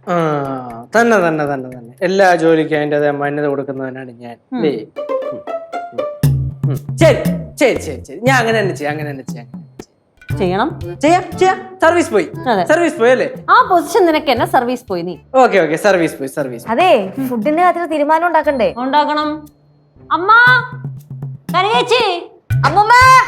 തന്നെ തന്നെ തന്നെ തന്നെ എല്ലാ ജോലിക്കും അതിൻ്റെ മാന്യത കൊടുക്കുന്നവനാണ് ഞാൻ. ശരി ശരി ശരി ശരി, ഞാൻ അങ്ങനെ തന്നെ ചെയ്യാം, അങ്ങനെ തന്നെ ചെയ്യാം. ചെയ്യണം, ചെയ്യാം ചെയ്യാം. സർവീസ് പോയി, സർവീസ് പോയി അല്ലേ? ആ പൊസിഷൻ നിനക്ക് തന്നെ സർവീസ് പോയി നീ. ഓക്കെ ഓക്കെ, സർവീസ് പോയി, സർവീസ്. അതെ, ഫുഡിന്റെ കാര്യത്തിൽ തീരുമാനം ഉണ്ടാക്കണ്ടേ? ഉണ്ടാക്കണം. അമ്മ കരയേച്ചി, അമ്മൂമ്മ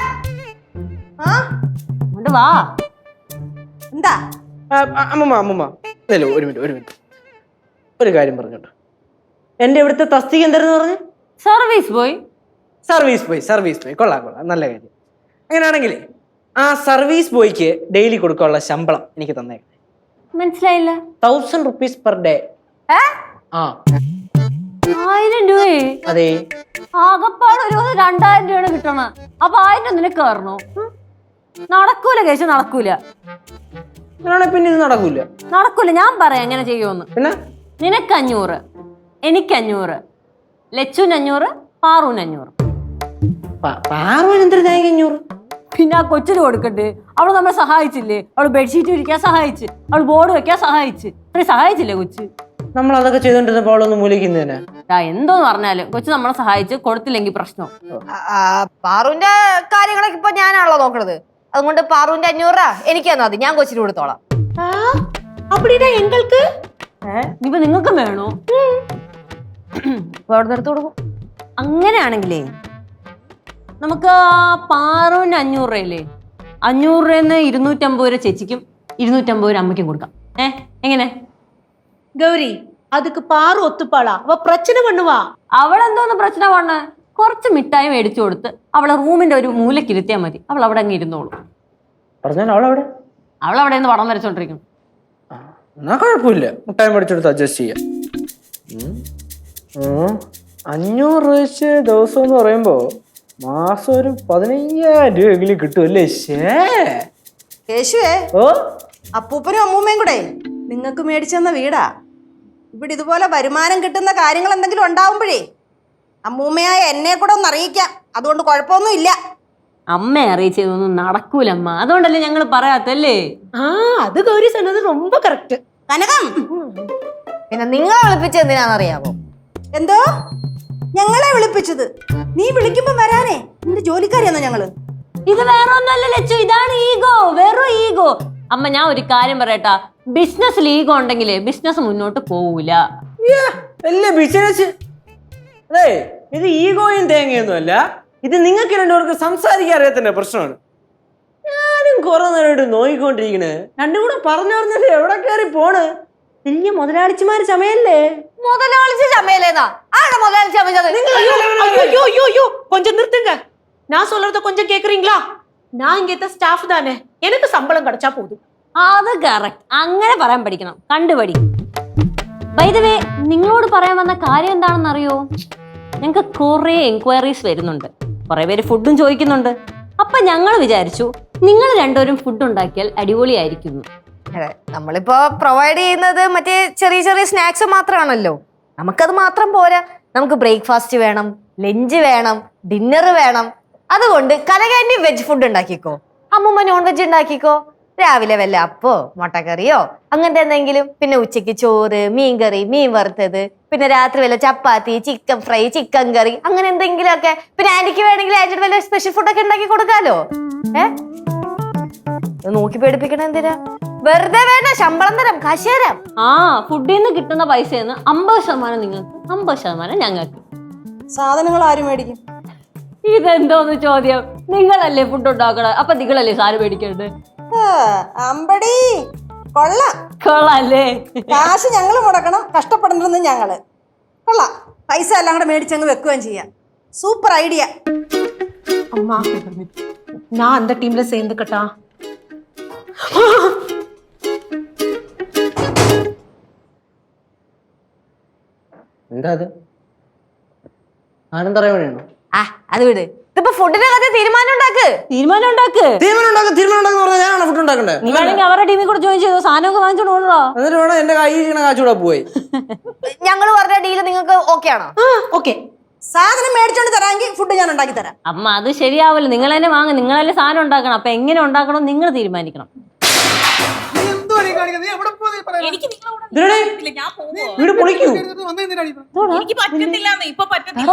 അങ്ങോട്ട് വാ. എന്താ അമ്മമ്മ അമ്മമ്മ ഒരു മിനിറ്റ് ഒരു മിനിറ്റ്, ഒരു കാര്യം പറഞ്ഞോട്ടോ. എന്റെ ഇവിടുത്തെ തസ്തിക എന്തായിരുന്നു പറഞ്ഞു? സർവീസ് പോയി. സർവീസ് പോയി, സർവീസ് പോയി. കൊള്ളാം കൊള്ളാം, നല്ല കാര്യം. അങ്ങനെയാണെങ്കിലേ ആ സർവീസ് ബോയ്ക്ക് ഡെയിലി കൊടുക്കാനുള്ള ശമ്പളം എനിക്ക് തന്നേക്കാം. മനസ്സിലായില്ല. 1000 rupees per day. ആ 1000 രൂപയെ? അതെ. ആകപ്പാട് ഒരു 2000 രൂപയാണ് കിട്ടണ. അപ്പൊ 1000 നിനക്ക് കയറണോ? നടക്കൂല കേശു, നടക്കൂല. പിന്നെ ഇത് നടക്കൂല, നടക്കൂല. ഞാൻ പറയാം എങ്ങനെ ചെയ്യുമെന്ന്. പിന്നെ നിനക്ക് 500, എനിക്ക് 500, ലച്ചുന് 500, പാറുവിന് 500. പാറുവിന് എന്തൊരു 500? പിന്നെ ആ കൊച്ചിന് കൊടുക്കണ്ടേ? അവള് നമ്മളെ സഹായിച്ചില്ലേ? അവള് ബെഡ്ഷീറ്റ് വിരിക്കാൻ സഹായിച്ച്, അവള് ബോർഡ് വെക്കാൻ സഹായിച്ച്, അത്രയും സഹായിച്ചില്ലേ കൊച്ച്? നമ്മൾ അതൊക്കെ ചെയ്തോണ്ടിരുന്നപ്പോ അവളൊന്ന് മൂലിക്കുന്നതിന് എന്തോന്ന് പറഞ്ഞാലും കൊച്ചു നമ്മളെ സഹായിച്ച് കൊടുത്തില്ലെങ്കിൽ പ്രശ്നം. പാറുവിന്റെ കാര്യങ്ങളൊക്കെ ഇപ്പൊ ഞാനാണല്ലോ നോക്കണത്. അതുകൊണ്ട് പാറുവിന്റെ 500 രൂപ എനിക്ക് തന്നാ മതി, ഞാൻ കൊച്ചിന് കൊടുത്തോളാം. ഇനിയിപ്പോ നിങ്ങൾക്കും വേണോ? അവിടെ എടുത്ത് കൊടുക്കും. അങ്ങനെയാണെങ്കിലേ നമുക്ക് പാറുവിന് 500 രൂപയില്ലേ, 500 രൂപന്ന് 250 രൂപ ചേച്ചിക്കും 250 രൂപ അമ്മയ്ക്കും കൊടുക്കാം. എങ്ങനെ கௌரி? அதுக்கு பாரு ஒத்துப்பாளா? அவ பிரச்சனை பண்ணுவா. അവളെന്തോന്ന് പ്രശ്നം വണ്ണ? കുറച്ച് മിഠായി മേടിച്ചു കൊടുത്ത് അവളെ റൂമിന്റെ ഒരു മൂലക്കിരുത്തിയാൽ മതി, അവൾ അവിടെ അങ്ങ് ഇരുന്നോളൂ. അവളവിടെ നിന്ന് പടം വരച്ചോണ്ടിരിക്കും. എന്നാ കുഴപ്പമില്ല, മുട്ടായി മേടിച്ചെടുത്ത് അഡ്ജസ്റ്റ് ചെയ്യാം. 500 രൂപ വെച്ച് ദിവസം എന്ന് പറയുമ്പോ മാസം ഒരു 15,000 രൂപയെങ്കിലും കിട്ടുമല്ലേ? കേശുവേ, അപ്പൂപ്പനും അമ്മൂമ്മയും കൂടെ നിങ്ങൾക്ക് മേടിച്ചെന്ന വീടാ. ഇവിടെ ഇതുപോലെ വരുമാനം കിട്ടുന്ന കാര്യങ്ങൾ എന്തെങ്കിലും ഉണ്ടാവുമ്പോഴേ അമ്മൂമ്മയായ എന്നെ കൂടെ ഒന്ന് അറിയിക്കാം. അതുകൊണ്ട് കുഴപ്പമൊന്നും ഇല്ല. അമ്മയെ അറിയിച്ചതൊന്നും നടക്കൂലമ്മ, അതുകൊണ്ടല്ലേ ഞങ്ങൾ പറയാത്തല്ലേ. അത് ഗൗരി சொன்னது ரொம்ப കറക്റ്റ്. കനകം, പിന്നെ നിങ്ങളെ വിളിപ്പിച്ചത് എന്തിനാണെന്നറിയാമോ? എന്തോ ഞങ്ങളെ വിളിപ്പിച്ചത്? നീ വിളിക്കുമ്പോ വരാനേ, നിന്റെ ജോലിക്കാരിയാണോ ഞങ്ങള്? ഇത് വേറെ ഒന്നല്ല ലച്ചു, ഇതാണ് ഈഗോ, വെറും ഈഗോ. അമ്മ ഞാൻ ഒരു കാര്യം പറയട്ടാ, ബിസിനസ്സിൽ ഈഗോ ഉണ്ടെങ്കിലേ ബിസിനസ് മുന്നോട്ട് പോവൂല. ബിസിനസ് അതെ, ഇത് ഈഗോയും തേങ്ങയൊന്നും അല്ല. ഇത് നിങ്ങൾക്ക് രണ്ടുപേർക്ക് സംസാരിക്കാൻ അറിയാത്തതിന്റെ പ്രശ്നമാണ്. ഞാനും കുറെ നേരമായിട്ട് നോയിക്കൊണ്ടിരിക്കണ്. രണ്ടും കൂടെ പറഞ്ഞു പറഞ്ഞിട്ട് എവിടെ കയറി പോണ്? വലിയ മുതലാളിച്ചിമാര് ചമയല്ലേ? മുതലാളിച്ച് ചമയല്ലേന്നാ? ആരുടെ മുതലാളിച്ച് ചമച്ചത്? ஐயோ ஐயோ ஐயோ, கொஞ்சம் நிறுத்துங்க. நான் சொல்றத கொஞ்சம் கேக்குறீங்களா? நான் இங்க ஸ்டாஃப் தானே, எனக்கு சம்பளம் கிடைச்சா போதும். അത് കറക്റ്റ്, അങ്ങനെ പറയാൻ പഠിക്കണം, കണ്ടുപടി. ബൈ ദ വേ, നിങ്ങളോട് പറയാൻ വന്ന കാര്യം എന്താണെന്ന് അറിയോ? ഞങ്ങൾക്ക് കുറെ എൻക്വയറീസ് വരുന്നുണ്ട്, കുറെ പേര് ഫുഡും ചോദിക്കുന്നുണ്ട്. അപ്പൊ ഞങ്ങൾ വിചാരിച്ചു നിങ്ങൾ രണ്ടുപേരും ഫുഡ് ഉണ്ടാക്കിയാൽ അടിപൊളിയായിരിക്കുന്നു. അതെ, നമ്മളിപ്പോ പ്രൊവൈഡ് ചെയ്യുന്നത് മറ്റേ ചെറിയ ചെറിയ സ്നാക്സ് മാത്രമാണല്ലോ. നമുക്കത് മാത്രം പോരാ, നമുക്ക് ബ്രേക്ക്ഫാസ്റ്റ് വേണം, ലഞ്ച് വേണം, ഡിന്നർ വേണം. അതുകൊണ്ട് കനകാന്റി വെജ് ഫുഡ് ഉണ്ടാക്കിക്കോ, അമ്മൂമ്മ നോൺ വെജ് ഉണ്ടാക്കിക്കോ. രാവിലെ വല്ല അപ്പോ മുട്ടക്കറിയോ അങ്ങനത്തെ എന്തെങ്കിലും, പിന്നെ ഉച്ചയ്ക്ക് ചോറ്, മീൻകറി, മീൻ വറുത്തത്, പിന്നെ രാത്രി വല്ല chapati, chicken fry, chicken curry, അങ്ങനെ എന്തെങ്കിലും ഒക്കെ. പിന്നെ ആന്റിക്ക് വേണമെങ്കിൽ ആന്റിയുടെ വല്ല സ്പെഷ്യൽ ഫുഡൊക്കെ ഉണ്ടാക്കി കൊടുക്കാലോ. നോക്കി പേടിപ്പിക്കണ എന്തിനാ? വെറുതെ വേണ്ട, ശമ്പളം തരാം, കാശ് തരാം. ഫുഡിൽ നിന്ന് കിട്ടുന്ന പൈസയിൽ നിന്ന് 50% നിങ്ങൾക്ക്, 50% ഞങ്ങൾക്ക്. സാധനങ്ങൾ ആരും മേടിക്കും? ഇതെന്തോന്ന് ചോദ്യം? നിങ്ങളല്ലേ ഫുഡ് ഉണ്ടാക്കണ, അപ്പൊ നിങ്ങളല്ലേ സാറ് മേടിക്കണ്ടേ? അമ്പടി കൊള്ളാം, കൊള്ളാല്ലേ? കാശ് ഞങ്ങൾ മുടക്കണം, കഷ്ടപ്പെടണമെന്ന് ഞങ്ങള്. കൊള്ളാം, പൈസ എല്ലാം കൂടെ മേടിച്ചങ്ങ് വെക്കുകയും ചെയ്യാം. Super idea. அம்மா, நான் அந்த டீம்ல சேர்ந்துக்கட்டா? എന്താ അത്? ആനന്ദ പറയണോ? അത് വിട്, ഇതിപ്പോ ഫുഡിന്റെ കഥ തീരുമാനം ഉണ്ടാക്ക്. ഞാനാണ് ഫുഡ് ഉണ്ടാക്കണ്ടേ? നീ വേണമെങ്കിൽ അവരുടെ ടീമിൽ കൂടെ ജോയിൻ ചെയ്തോ, സാധനമൊക്കെ വാങ്ങിച്ചോണ്ട് പോകണോ. എന്നിട്ട് വേണം എന്റെ കയ്യിൽ കാച്ചൂടെ പോയി. ഞങ്ങൾ പറഞ്ഞ ഡീല് നിങ്ങൾക്ക് ഓക്കെ ആണോ? ഓക്കെ. സാധനം മേടിച്ചോണ്ട് തരാമെങ്കിൽ ഫുഡ് ഞാൻ ഉണ്ടാക്കി തരാം. അമ്മ അത് ശരിയാവില്ല, നിങ്ങൾ തന്നെ വാങ്ങും, നിങ്ങളല്ലേ സാധനം ഉണ്ടാക്കണം. അപ്പൊ എങ്ങനെ ഉണ്ടാക്കണം നിങ്ങൾ തീരുമാനിക്കണം. എന്തോ എനിക്ക് നിങ്ങളോട് ഇതിടെ ഞാൻ പോവോ വീട് പൊളിക്കൂ. എനിക്ക് പറ്റത്തില്ല ഇപ്പൊ പറ്റത്തില്ല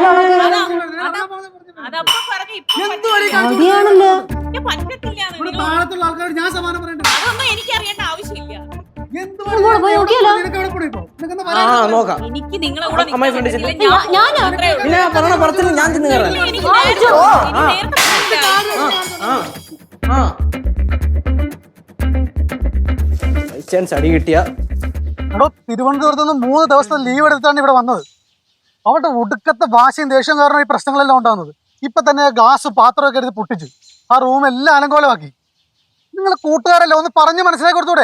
അതപ്പോ പറഞ്ഞ ഇപ്പൊ മതിയാണല്ലോ. എനിക്ക് പറ്റത്തില്ല അതൊന്നും എനിക്ക് അറിയേണ്ട ആവശ്യമില്ല പോയി നോക്കിയാലോ? ആ നോക്കാം. എനിക്ക് നിങ്ങളെ കൂടെ അമ്മായി ഫ്രണ്ട് നിൽക്കാൻ ചെന്ന് പറ്റില്ല. ഞാനാ? മാത്രമേ ഉള്ളൂ. പിന്നെ പറഞ്ഞ പറച്ചില്ല ഞാൻ ചെന്ന് കയറാം. എനിക്ക് നേരത്തെ ആ ആ ബൈ ചാൻസ് അടി കിട്ടിയ എടോ തിരുവനന്തപുരത്ത് നിന്ന് 3 ദിവസത്തെ ലീവ് എടുത്താണ് ഇവിടെ വന്നത്. അവിടെ ഒടുക്കത്തെ വാശിയും ദേഷ്യം കാരണം ഈ പ്രശ്നങ്ങളെല്ലാം ഉണ്ടാകുന്നത്. ഇപ്പൊ തന്നെ ഗ്ലാസ് പാത്രമൊക്കെ എടുത്ത് പൊട്ടിച്ചു. ആ റൂം എല്ലാം അലങ്കോലമാക്കി. നിങ്ങൾ കൂട്ടുകാരല്ലേ ഒന്ന് പറഞ്ഞു മനസ്സിലാക്കി കൊടുത്തൂടെ?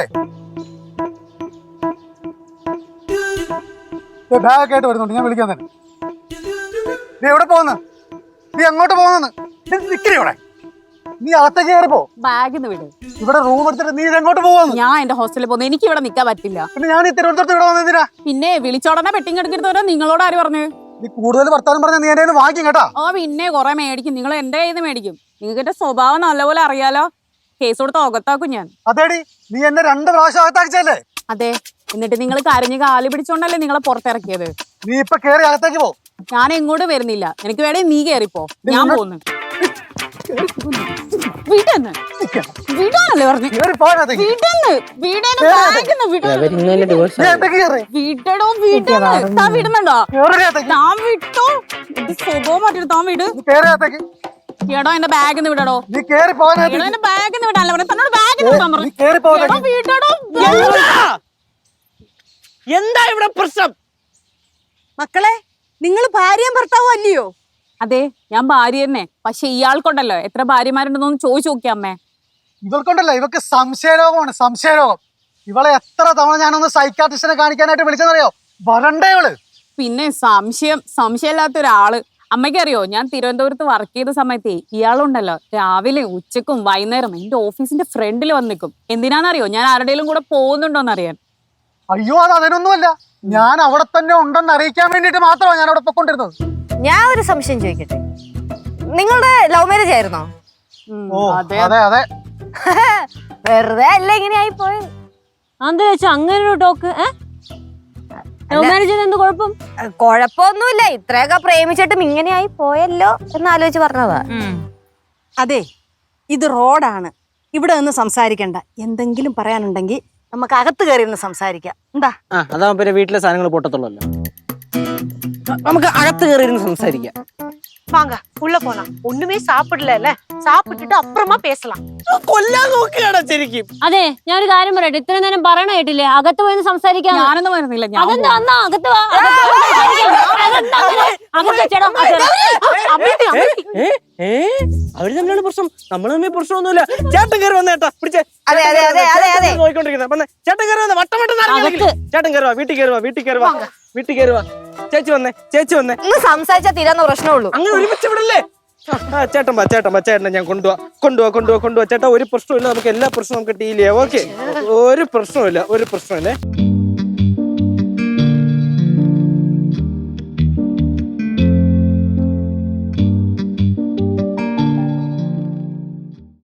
ബാഗൊക്കെ ആയിട്ട് വരുന്നുണ്ട്, ഞാൻ വിളിക്കാൻ തന്നെ. നീ എവിടെ പോകുന്നു? നീ എങ്ങോട്ട് പോകുന്നു? നിക്കണേ ഇവിടെ. നീ അകത്തേക്ക് കയറിപ്പോ. ബാഗിന്ന് വിട്. ഇവിടെ റൂം എടുത്തിട്ട് നീ എങ്ങോട്ട് പോകുന്നു? ഞാൻ എന്റെ ഹോസ്റ്റലിൽ പോകുന്നു. എനിക്ക് ഇവിടെ നിൽക്കാൻ പറ്റില്ല. പിന്നെ ഞാൻ ഈ തിരുവനന്തപുരത്ത് ഇവിടെ വന്നതിനാ? പിന്നെ വിളിച്ചോടനെ പെട്ടിങ് എടുക്കരുതോ? നിങ്ങളോട് ആര് പറഞ്ഞു? നീ കൂടുതൽ വർത്താനം പറഞ്ഞാൽ നീ എന്റെ വാങ്ങിക്കും കേട്ടാ. ഓ പിന്നെ കുറെ മേടിക്കും. നിങ്ങൾ എന്റെ കയ്യിൽ നിന്ന് മേടിക്കും. നിങ്ങൾക്ക് എന്റെ സ്വഭാവം നല്ലപോലെ അറിയാലോ. കേസ് കൊടുത്ത് ഒകത്താക്കും ഞാൻ. അതേടി, നീ എന്നെ 2 പ്രാവശ്യം അകത്താക്കിച്ചല്ലേ? അതെ, എന്നിട്ട് നിങ്ങൾ കരഞ്ഞ് കാലി പിടിച്ചോണ്ടല്ലേ നിങ്ങളെ പുറത്തിറക്കിയത്. നീ ഇപ്പൊ കേറി അകത്തേക്ക് പോ. ഞാൻ എങ്ങോട്ടും വരുന്നില്ല. എനിക്ക് വേണേ നീ കേറിപ്പോ. ഞാൻ പോകുന്നു. വീട്ടെന്ന് വീടാണല്ലേ പറഞ്ഞു. കേറി പോ അകത്തേക്ക്. വീടെന്ന് വീടേന്ന് ബാഗിന്ന് വിടോ. നീ അകത്തേക്ക് കേറ്. വീടടോ വീടെന്ന്. താൻ വിടുന്നുണ്ടോ? കേറി അകത്തേക്ക്. താൻ വിട്ടോ. ഇത് സ്വഭാവം മാറ്റിട്ട് താൻ വിട്. നീ കേറി അകത്തേക്ക്. എടോ എന്റെ ബാഗിന്ന് വിടടോ. നീ കേറി പോ എടോ അകത്തേക്ക്. എന്റെ ബാഗിന്ന് വിടാനല്ല പറഞ്ഞു. തന്നോട് ബാഗിന്ന് വിടാൻ നീ പറഞ്ഞു. കേറി പോ എടോ അകത്തേക്ക്. വീടടോ. എന്താ ഇവിടെ പ്രശ്നം? മക്കളെ നിങ്ങൾ ഭാര്യയും ഭർത്താവും അല്ലയോ? അതെ, ഞാൻ ഭാര്യ തന്നെ. പക്ഷെ ഇയാൾക്കുണ്ടല്ലോ എത്ര ഭാര്യമാരുണ്ടെന്നൊന്ന് ചോദിച്ചു നോക്കിയ അമ്മേ. ഇവൾക്കുണ്ടല്ലോ ഇവക്ക് സംശയരോഗമാണ്, സംശയരോഗം. ഇവളെ എത്ര തവണ ഞാനൊന്ന് സൈക്കാട്രിസ്റ്റിനെ കാണിക്കാനായിട്ട് വിളിച്ചെന്നറിയോ? വരണ്ടേ ഇവള്. പിന്നെ സംശയമില്ലാത്ത ഒരാള്. അമ്മയ്ക്കറിയോ, ഞാൻ തിരുവനന്തപുരത്ത് വർക്ക് ചെയ്ത സമയത്തേ ഇയാളുണ്ടല്ലോ രാവിലെ ഉച്ചക്കും വൈകുന്നേരം എന്റെ ഓഫീസിന്റെ ഫ്രണ്ടിൽ വന്ന് നിൽക്കും. എന്തിനാണെന്നറിയോ? ഞാൻ ആരുടെയും കൂടെ പോകുന്നുണ്ടോന്നറിയാൻ. അയ്യോ, അത് അതിനൊന്നുമല്ല. ഞാൻ അവിടെ തന്നെ ഉണ്ടെന്ന് അറിയിക്കാൻ വേണ്ടിട്ട് മാത്രമാണ് ഞാൻ അവിടെ പൊക്കൊണ്ടിരുന്നത്. ഞാൻ ഒരു സംശയം ചോദിക്കട്ടെ, നിങ്ങളുടെ ലവ് മാരേജ് ആയിരുന്നോ? ഓ അതെ. അതെ അതെ. വെറുതെ അല്ല ഇങ്ങനെ ആയി പോയത്. എന്താ വെച്ചാ അങ്ങനെ ഒരു ടോക്ക്? ലവ് മാരേജ് എന്ത് കുഴപ്പം? കുഴപ്പമൊന്നുമില്ല, ഇത്രയൊക്കെ പ്രേമിച്ചിട്ടും ഇങ്ങനെ ആയി പോയല്ലോ എന്നാലോചിച്ച് പറഞ്ഞതാ. അതെ, ഇത് റോഡാണ്. ഇവിടെ നിന്ന് സംസാരിക്കണ്ട. എന്തെങ്കിലും പറയാനുണ്ടെങ്കിൽ നമുക്ക് അകത്ത് കയറി ഒന്ന് സംസാരിക്കാം. എന്താ? ആ അതാ പിന്നെ വീട്ടിലെ സാധനങ്ങൾ പൊട്ടത്തുള്ളല്ലോ. നമുക്ക് അകത്ത് കയറി ഇരുന്ന് സംസാരിക്കാം. வாங்க உள்ள போலாம் ஒண்ணுமே சாப்பிடல சாப்பிட்டுட்டு அப்புறமா பேசலாம் കൊല്ലാൻ നോക്കുകയാണോ ശരിക്കും? അതെ, ഞാൻ ഒരു കാര്യം പറയട്ടെ. ഇത്രയും നേരം പറയണ കേട്ടില്ലേ അകത്ത് പോയി സംസാരിക്കാം. ഞാനൊന്നും വരുന്നില്ല. ഞാൻ അതെന്താ അന്നാ അകത്ത് വാ, അകത്ത് പോയി സംസാരിക്കാം. അതെന്താ അങ്ങനെ? അകത്ത് ചേട്ടാ, അവര് തമ്മിലാണ് പ്രശ്നം, നമ്മൾ തമ്മിൽ പ്രശ്നമൊന്നുമില്ല. ചേട്ടൻ കയറി വന്നേട്ടാ, പിടിച്ചേ. അതെ, അതെ, അതെ, അതെ, അതെ. നോക്കിക്കൊണ്ടിരിക്കുന്നത് വന്നേ. ചേട്ടൻ കയറി വന്നേ, വട്ടം വട്ടം ചേട്ടൻ കയറുവാ, വീട്ടിൽ കയറുവാ, വീട്ടിൽ കയറുവാ, വീട്ടിൽ കയറുവാ. ചേച്ചി വന്നേ, ചേച്ചി വന്നേ. ഇന്ന് സംസാരിച്ചാൽ തീരാന്ന പ്രശ്നമുള്ളൂ. അങ്ങനെ ഒരുമിച്ച് വിടല്ലേ? ചേട്ടൻ വാ, ചേട്ടൻ വാ, ചേട്ടനെ ഞാൻ കൊണ്ടുപോവാ. ചേട്ടാ ഒരു പ്രശ്നമില്ല, നമുക്ക് എല്ലാ പ്രശ്നവും നമുക്ക് ഡീൽ ചെയ്യാം. ഓക്കെ, ഒരു പ്രശ്നമില്ല, ഒരു പ്രശ്നമില്ലേ.